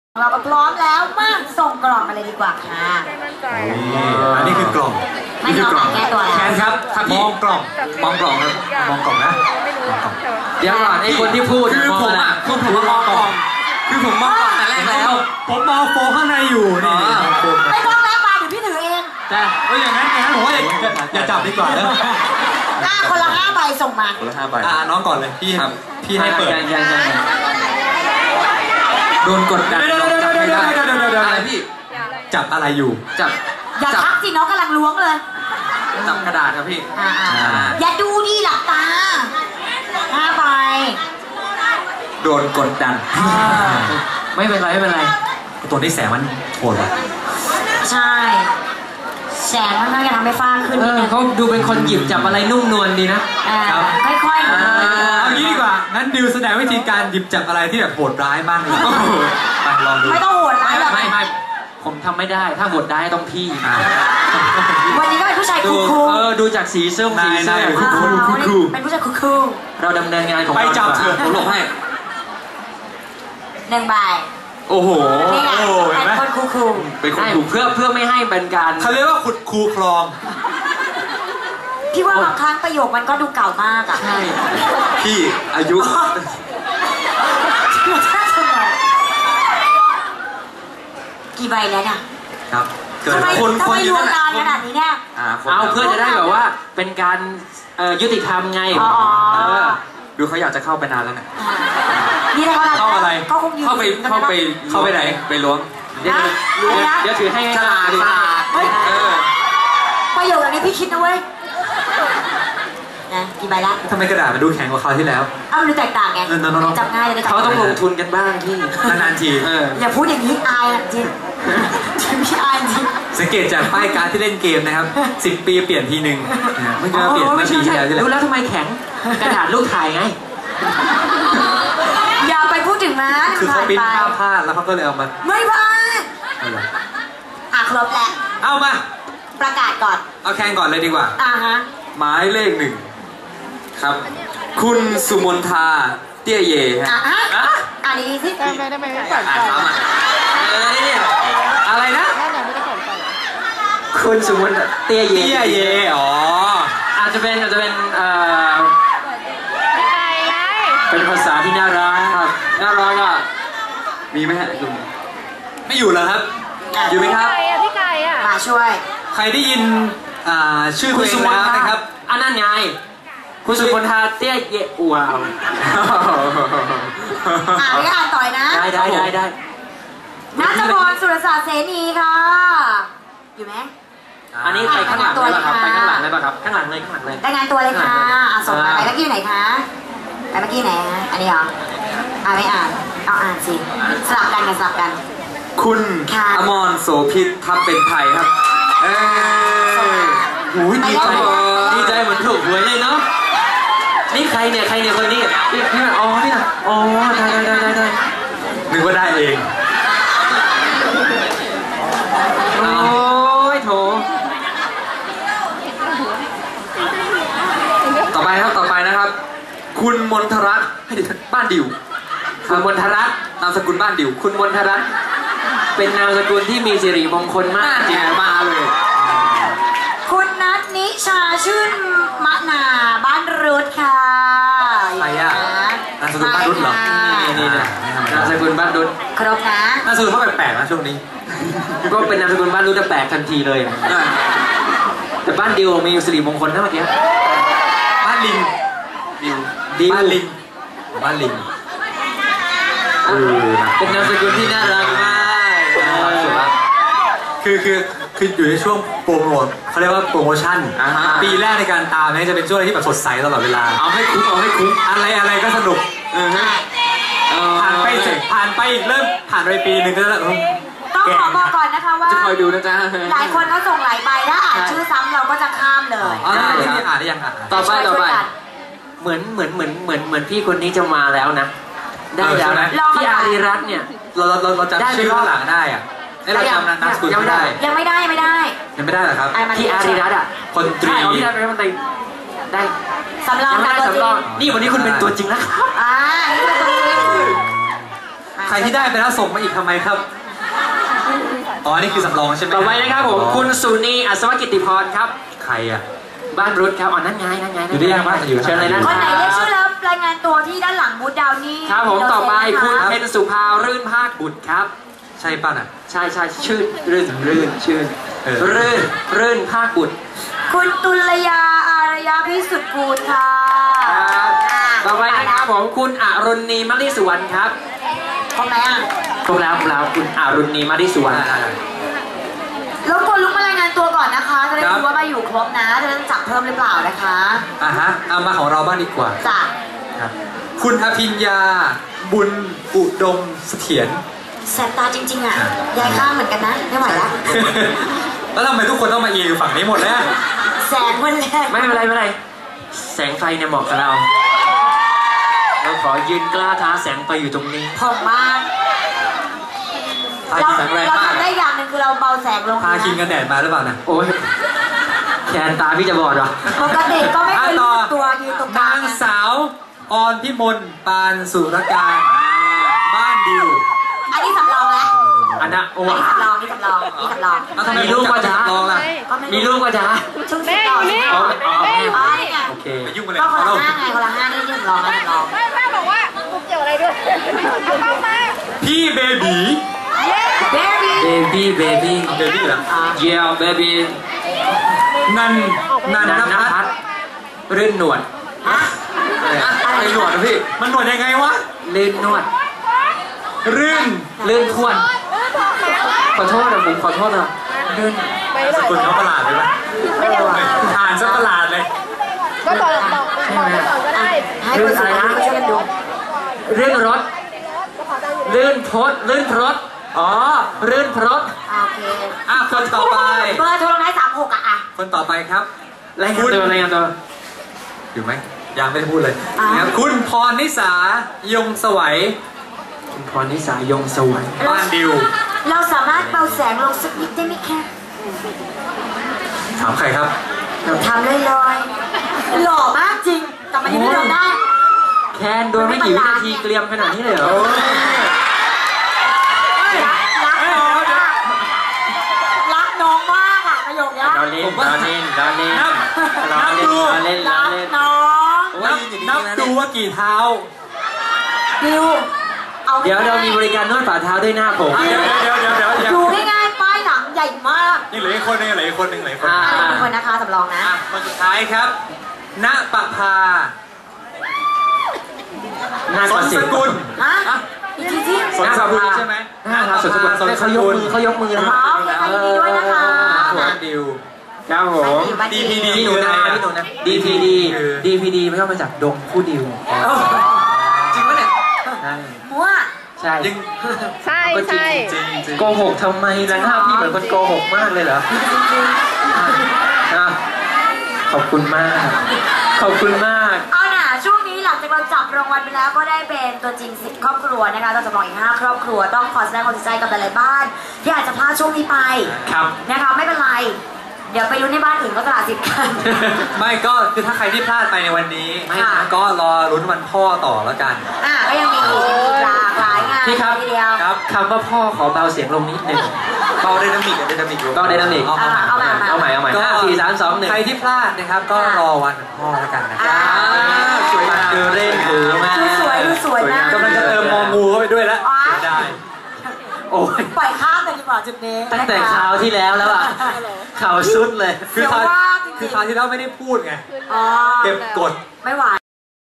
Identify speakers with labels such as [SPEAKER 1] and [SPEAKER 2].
[SPEAKER 1] เราก็พร้อมแล้วมาส่งกล่องมาเลยดีกว่าค่ะ
[SPEAKER 2] อันนี้คือกล่อง
[SPEAKER 1] ไม่กล่องแก้ตัวแล้ว
[SPEAKER 2] แคนครับมองกล่องครับมองกล่องนะ
[SPEAKER 3] เดี๋ยวก่อนไอ้คนที่พูด
[SPEAKER 2] คือผมอ่ะผมมองกล่องคือผมมองกล่องแต่แรกแล้วผมมองโฟข้างในอยู่นี่
[SPEAKER 1] ไม่ต้องแล้วมาเดี๋ยวพี่ถือเอง
[SPEAKER 2] แต่อย่างนั้นผมว่าอย่าจับดีกว่าแล้ว
[SPEAKER 1] คนละ5 ใบส่งมา
[SPEAKER 3] คนละ5 ใบ
[SPEAKER 2] น้องก่อนเลยพี่ให้เปิด
[SPEAKER 3] โดนกดดันอะไรพี่
[SPEAKER 2] จับอะไรอยู่
[SPEAKER 1] อย่าทักสิน้องกำลังล้วงเลย
[SPEAKER 3] จับกระดาษครับพี่
[SPEAKER 1] อย่าดูดิหลับตา5 ใบ
[SPEAKER 3] โดนกดดันไม่เป็นไร
[SPEAKER 2] ตัวนี้แสงมันโหดว่ะ
[SPEAKER 1] ใช่แสงมันน่าจะทำให้ฟ้าขึ้น
[SPEAKER 3] เขาดูเป็นคนหยิบจับอะไรนุ่มนวลดีนะ
[SPEAKER 1] ค่อยๆ
[SPEAKER 2] เอางี้ดีกว่างั้นดิวแสดงวิธีการหยิบจับอะไรที่แบบโหดร้ายมากเลยไปลองดู
[SPEAKER 1] ไม่ต้องโหดร้ายหรอก
[SPEAKER 3] ไม่ผมทำไม่ได้ถ้าโหดร้ายต้องพี่
[SPEAKER 1] วันนี้ก็เป็นผู้ชายคูล
[SPEAKER 3] ดูจากสีเสื้อ
[SPEAKER 1] คูลเป็นผู้ชายคูล
[SPEAKER 3] เราดำเนินงานของ
[SPEAKER 2] ไปจับเถอะ
[SPEAKER 3] ผมหลบให้
[SPEAKER 1] 1 ใบ
[SPEAKER 3] โอ้โห
[SPEAKER 1] เป็นคนคูล
[SPEAKER 3] เป็นคนคูลเพื่อไม่ให้เป็นการ
[SPEAKER 2] เขาเรียกว่าขุดคูคลอง
[SPEAKER 1] พี่ว่าบางครั้งประโยคมันก็ดูเก่ามากอ่ะ
[SPEAKER 3] ใช่พี่อายุ
[SPEAKER 1] กี่ใบแล้วเนี่ย
[SPEAKER 2] ครับ
[SPEAKER 1] ทำไมรวมนานขนาดนี้เนี่ย
[SPEAKER 3] เอาเพื่อจะได้แบบว่าเป็นการยุติธรรมไงดูเขาอยากจะเข้าไปนานแล้วนะ
[SPEAKER 1] นี่
[SPEAKER 2] เข้าอะไร
[SPEAKER 3] เข้าไปไหนไปล้วงเดี๋ยวถือให้ฉลาด
[SPEAKER 1] ประโยคนี้พี่คิดนะเว้ยนะกี่ใบละ
[SPEAKER 2] ทำไมกระดาษมันดูแข็งกว่าคราวที่แล้ว
[SPEAKER 1] มันดูแตกต่างไงจับง่ายเลย
[SPEAKER 3] เขาต้องลงทุนกันบ้างที่
[SPEAKER 2] นานๆที
[SPEAKER 1] อย่าพูดอย่างนี้อายจริงพี่อายจริง
[SPEAKER 2] สังเกตจากป้ายการ์ดที่เล่นเกมนะครับ10 ปีเปลี่ยนทีนึงไม่ใช่เปลี่ยนมาทีที่แล้ว
[SPEAKER 3] รู้แล้วทำไมแข็งกระดาษลูกถ่ายไง
[SPEAKER 1] อย่าไปพูดถึงนะ
[SPEAKER 2] คือเขาปิ้นภาพพลาดแล้วเขาก็เลยเอามา
[SPEAKER 1] ไม่พลาดครบแล้ว
[SPEAKER 2] เอามา
[SPEAKER 1] ประกาศก่อน
[SPEAKER 2] เอาแข่งก่อนเลยดีกว่า
[SPEAKER 3] หมายเลข 1ครับคุณสุมนทาเตี้ยเย่
[SPEAKER 1] อันนี้สิ
[SPEAKER 4] ได้ไหมไม่ฝันใจ
[SPEAKER 3] อะไรนะคุณสุมนเตี้ยเย่
[SPEAKER 2] อ๋อ
[SPEAKER 3] อาจจะเป็นเป็นภาษาที่น่ารักครับน่ารักอ่ะมีไหมฮะคุณ
[SPEAKER 2] ไม่อยู่แล้วครับ
[SPEAKER 3] อยู่ไหมครับ
[SPEAKER 4] พี่ไก่อ่ะ
[SPEAKER 1] มาช่วย
[SPEAKER 2] ใครได้ยินชื่อคุณสุมนทานะครับ
[SPEAKER 3] อันนั้นไงคุณสุมนทาเตี้ยเย่ว้าว
[SPEAKER 1] อ่านต่อยนะ
[SPEAKER 3] ได้
[SPEAKER 1] นัทพรสุรศาสตร์เสนีค่ะอยู่ไหม
[SPEAKER 3] อันนี้ไปข้างหลังเลยป่ะครับไปข้างหลังเลยป่ะครับข้างหลังเลย
[SPEAKER 1] รายงานตัวเลยค่ะส่งมาไปเมื่อกี้ไหนคะไปเมื่อกี้ไหนอันนี้เหรอไม่อ่านเอาอ่านสิสลับกัน
[SPEAKER 3] คุณอมรโสภิตทับเป็นไทยครับดีใจเหมือนถูกหวยเลยเนาะนี่ใครเนี่ยคนนี้นี่อ๋อเนี่ยอ๋อได้
[SPEAKER 2] นึกว่าได้เอง
[SPEAKER 3] โอ้ยโถต่อไปนะครับคุณมนทรัตน์บ้านดิวคุณมนทรัตน์นามสกุลบ้านดิวคุณมนทรัตน์เป็นนามสกุลที่มีสิริมงคลมากจริงมาเลย
[SPEAKER 1] คุณนัทนิชาชื่นมะนาบ้านรุดค่ะ
[SPEAKER 2] ใครอะนามสกุลบ้านรุดเหรอ
[SPEAKER 3] นี่นามสกุลบ้านรุด
[SPEAKER 1] ครบนะ
[SPEAKER 2] นามสกุลเขาแปลกๆนะช่วงนี้
[SPEAKER 3] ก็เป็นนามสกุลบ้านรุดจะแปลกทันทีเลยแต่บ้านดิวมีสิริมงคลนะเมื่อกี้
[SPEAKER 2] บ้านลิงบ้านลิง
[SPEAKER 3] เป็นนามสกุลที่น่ารักมาก
[SPEAKER 2] คืออยู่ในช่วงโปรโมทเขาเรียกว่าโปรโมชั่นปีแรกในการตามเนี่ยจะเป็นช่วงที่แบบสดใสตลอดเวลา
[SPEAKER 3] เอาให้คุ้ม
[SPEAKER 2] อะไรก็สนุกผ่านไปอีกเริ่มผ่านไปปีนึงก็แล้ว
[SPEAKER 1] ต้องขอบอกก่อนนะคะว่า
[SPEAKER 3] จะคอยดูนะจ๊ะ
[SPEAKER 1] หลายคนเขาส่งหลายใบถ้าอ่านชื่อซ้ำเราก็จะข้ามเลย
[SPEAKER 2] นี่อ่านได้ยัง
[SPEAKER 3] ต่อไปเหมือนพี่คนนี้จะมาแล้วนะได้แล้วนะพี่อารีรัตน์เนี่ย
[SPEAKER 2] เราจะชื่อข้างหลังได้อะเราจำนามสกุล
[SPEAKER 1] ยังไม่
[SPEAKER 2] ได้เหรอครับ
[SPEAKER 3] พี่อารีรัตน์อ่ะ
[SPEAKER 2] คนตรี
[SPEAKER 3] พี่อารีรัตน์เป็นได้
[SPEAKER 1] สำรอง
[SPEAKER 3] นี่วันนี้คุณเป็นตัวจริงนะครับ
[SPEAKER 2] ใครที่ได้ไปแล้วส่งมาอีกทำไมครับอ๋อนี่คือสำรองใช่ไหม
[SPEAKER 3] ต่อไปนะครับผมคุณสุนีอัศวกิตติพรครับ
[SPEAKER 2] ใครอ่ะ
[SPEAKER 3] บ้านรุดครับอ๋อนั่นไง
[SPEAKER 2] อยู่ที่ยังบ้านอยู่
[SPEAKER 3] เชิญเลยนะ
[SPEAKER 1] คนไหนเรียกชื่อแล้วรายงานตัวที่ด้านหลังบูธดาวนี่
[SPEAKER 3] ครับผมต่อไปคุณ
[SPEAKER 1] เ
[SPEAKER 3] เพนสุภารื่นภาคบุตรครับ
[SPEAKER 2] ใช่ป่ะน่ะ
[SPEAKER 3] ใช่ชื่อรื่นชื่น
[SPEAKER 2] เออ
[SPEAKER 3] รื่นภาคบุตร
[SPEAKER 1] คุณตุลยาอารยาพิสุทธิ์กูลค่ะ
[SPEAKER 3] ครับต่อไปนะครับผมคุณอรุณีมลิสุวรรณครับ
[SPEAKER 1] ครบไหมอ่ะ
[SPEAKER 3] ครบแล้วคุณอรุณีมลิสุวรรณ
[SPEAKER 1] รบกวนลุกมารายงานตัวก่อนนะคะจะได้รู้ว่ามาอยู่ครบนะจะได้จับเพิ่มหรือเปล่านะคะ
[SPEAKER 2] ฮะเอามาของเราบ้างดีกว่า
[SPEAKER 1] จ้ะ
[SPEAKER 2] ครับคุณอภิญญาบุญอุดมเสถียร
[SPEAKER 1] แสบตาจริงๆอ่ะยายข้างเหมือนกันนะไม่ไหวแล้ว
[SPEAKER 2] แล้วทำไมทุกคนต้องมาอยู่ฝั่งนี้หมดแล้ว
[SPEAKER 1] แสงมันแรง
[SPEAKER 3] ไม่เป็นไรแสงไฟเนี่ยเหมาะกับเราขอยืนกล้าท้าแสงไฟอยู่ตรงนี้
[SPEAKER 1] ผมมาก
[SPEAKER 2] พา
[SPEAKER 1] เรา
[SPEAKER 2] คินแสงแรง
[SPEAKER 1] เรา
[SPEAKER 2] มาก
[SPEAKER 1] ทำได้อย่างหนึ่งคือเราเบาแสงลง
[SPEAKER 2] พาคินกันแดดมาหรือเปล่านะ
[SPEAKER 3] โอ้ยแขนตาพี่จะบอดเหรอ
[SPEAKER 1] ปกติก็ไม่เคยรู้สึกตัวยืนตรงกลาง
[SPEAKER 2] นางสาวออนพิมลปานสุรการบ้านดิว
[SPEAKER 1] อันนี้สำรองแล้ว
[SPEAKER 3] อันนะโอ้
[SPEAKER 1] อันนี้สำรองนี่สำรองนี่สำรอง
[SPEAKER 2] แล้วทำไม
[SPEAKER 3] มีลูกว่าจะ
[SPEAKER 2] ลองล่ะ
[SPEAKER 1] ก็ไม่
[SPEAKER 3] มีลูกว่าจะ
[SPEAKER 1] ชุดสีต่อใช่ไหม
[SPEAKER 3] อ๋อ
[SPEAKER 1] อ๋อนี่ไง
[SPEAKER 3] โอเค
[SPEAKER 2] ไปยุ่งกันเลย
[SPEAKER 1] ก็คน
[SPEAKER 2] เรา
[SPEAKER 1] ละห้าไงคนละห้านี่สำรองนะสำรอง
[SPEAKER 4] แม่บอกว่ากูเกี่ยวอะไรด้วยเอาเข้ามา
[SPEAKER 2] พี่เบบี
[SPEAKER 1] เบบี้
[SPEAKER 3] เบบี้
[SPEAKER 2] เบบี้เหรอ
[SPEAKER 3] เยลเบบี้
[SPEAKER 2] นันนภัทร
[SPEAKER 3] รื่นหนวด
[SPEAKER 1] ฮะ
[SPEAKER 2] อะไรหนวดนะพี่มันหนวดยังไงวะ
[SPEAKER 3] ลื่นนวด
[SPEAKER 2] รื่น
[SPEAKER 3] ลื่นทวนขอโทษนะผมขอโทษนะลื่น
[SPEAKER 2] สกุลเขาประหลาดเลยปะอ่านซะประหลาดเลย
[SPEAKER 4] ก็บอกก็ได้
[SPEAKER 1] ให้คนสวยมาช่วยกันดู
[SPEAKER 3] ลื่นรถลื่นพดลื่นพรถอ๋อลื่นพรถ
[SPEAKER 1] โอเค
[SPEAKER 2] คนต่อไป
[SPEAKER 1] เบอร์โทรท้าย36อ่ะ
[SPEAKER 2] คนต่อไปครับ
[SPEAKER 3] รายงานตัว
[SPEAKER 2] อยู่ไหมยังไม่ได้พูดเลย
[SPEAKER 1] อ่า
[SPEAKER 2] นะครับคุณพรนิสายงสวัย
[SPEAKER 3] คุณพรนิสายงสวัย
[SPEAKER 2] บ้านดิว
[SPEAKER 1] เราสามารถเบาแสงลงสักนิดได้ไหมคะ
[SPEAKER 2] ถามใครครับ
[SPEAKER 1] ทำเลยลอยๆหล่อมากจริงแต่มันยังไม่ลงได้
[SPEAKER 3] แคนโดนไม่กี่วินาทีเกลียมขนาดนี้เลยเหรอ
[SPEAKER 1] รักน้องมากอ่ะประโยคนี้
[SPEAKER 3] เราเล่นเราเล่นเราเล่น
[SPEAKER 2] นับ
[SPEAKER 3] เรา
[SPEAKER 2] นับ
[SPEAKER 3] เล่น
[SPEAKER 2] ดู
[SPEAKER 3] เราเล่นเรา
[SPEAKER 1] รัก
[SPEAKER 3] เล่น
[SPEAKER 1] น้อง
[SPEAKER 2] นับดูว่ากี่เท้า
[SPEAKER 1] ดิวเอา
[SPEAKER 3] เดี๋ยวเรามีบริการนวดฝ่าเท้าด้วยหน้าผม
[SPEAKER 2] เดี๋ยว
[SPEAKER 1] ดูง่ายๆป้ายหนังใหญ่มาก
[SPEAKER 2] ยังเหลืออีกคนนึงเหลืออีกคนนึง
[SPEAKER 1] อันนี้คนนะคะสำรองนะ
[SPEAKER 2] คนสุดท้ายครับณปภา
[SPEAKER 3] หน้า
[SPEAKER 2] สนสกุล
[SPEAKER 1] ฮะอีกทีที่
[SPEAKER 2] สนสกุลใช่ไหม
[SPEAKER 3] หน้าสนสกุลเขายกมือเขายกมือนะค
[SPEAKER 1] อ๋
[SPEAKER 3] รั
[SPEAKER 1] อบ โอเคค่ะยินดีด้วยนะคะ
[SPEAKER 2] บ้านดิว
[SPEAKER 3] ครับผม
[SPEAKER 2] DPD
[SPEAKER 3] พี่หนูนาพี่หนูนา DPD DPD ไม่ต้องมาจากดงผู้ดิว
[SPEAKER 2] จริงปะเนี่ย
[SPEAKER 3] ใช่
[SPEAKER 1] มัว
[SPEAKER 3] ใช่
[SPEAKER 2] ยัง
[SPEAKER 4] ใช่ใช่
[SPEAKER 2] จริง
[SPEAKER 3] โกหกทำไมล่ะหน้าพี่เหมือนคนโกหกมากเลยเหรออ่ะขอบคุณมาก ขอบคุณมาก
[SPEAKER 1] เอาหน่ะช่วงนี้หลังจากเราจับรางวัลไปแล้วก็ได้เป็นตัวจริง10ครอบครัวนะคะเราจำลองอีก5ครอบครัวต้องขอแสดงความเสียใจกับหลายๆบ้านที่อาจจะพลาดช่วงนี้ไป
[SPEAKER 3] ครับ
[SPEAKER 1] นะคะไม่เป็นไร เดี๋ยวไปลุ้นในบ้านอื่นก็ตลาดสิทธิ์กัน
[SPEAKER 2] ไม่ก็คือถ้าใครที่พลาดไปในวันนี้
[SPEAKER 1] ค่ะ
[SPEAKER 2] ก็รอลุ้นวันพ่อต่อแล้วกัน
[SPEAKER 1] ก็ยังมีอีกหลากหลายงาน
[SPEAKER 3] พี่ครับ
[SPEAKER 1] ทีเดียว
[SPEAKER 2] ครับ
[SPEAKER 3] คำว่าพ่อขอเบาเสียงลงนิดหนึ่ง
[SPEAKER 2] เบาไดนามิกอยู่
[SPEAKER 3] เบาไดนามิก
[SPEAKER 2] เอาใหม่
[SPEAKER 1] เอาใหม่
[SPEAKER 3] เอาใหม่เอาใหม่
[SPEAKER 2] ก็
[SPEAKER 3] 5 4 3 2 1
[SPEAKER 2] ใครที่พลาดนะครับก็รอวันพ่อแล้วกันนะครับ
[SPEAKER 3] สวยมากดูเล่นหูมาก
[SPEAKER 1] ดูสวยดูสวยมาก
[SPEAKER 2] กำลังจะเติมมองูเข้าไปด้วยแล้ว
[SPEAKER 1] อ๋อ
[SPEAKER 2] ได้
[SPEAKER 3] โอ้ย
[SPEAKER 1] ปล่อยข้ามไปดีกว่าจุดนี้
[SPEAKER 3] ตั้งแต่คราวที่แล้วแล้วอ่ะข่าวสุดเลย
[SPEAKER 2] คือคราวที่เราไม่ได้พูดไง
[SPEAKER 1] อ๋อ
[SPEAKER 2] เก็บกด
[SPEAKER 1] ไม่ไหว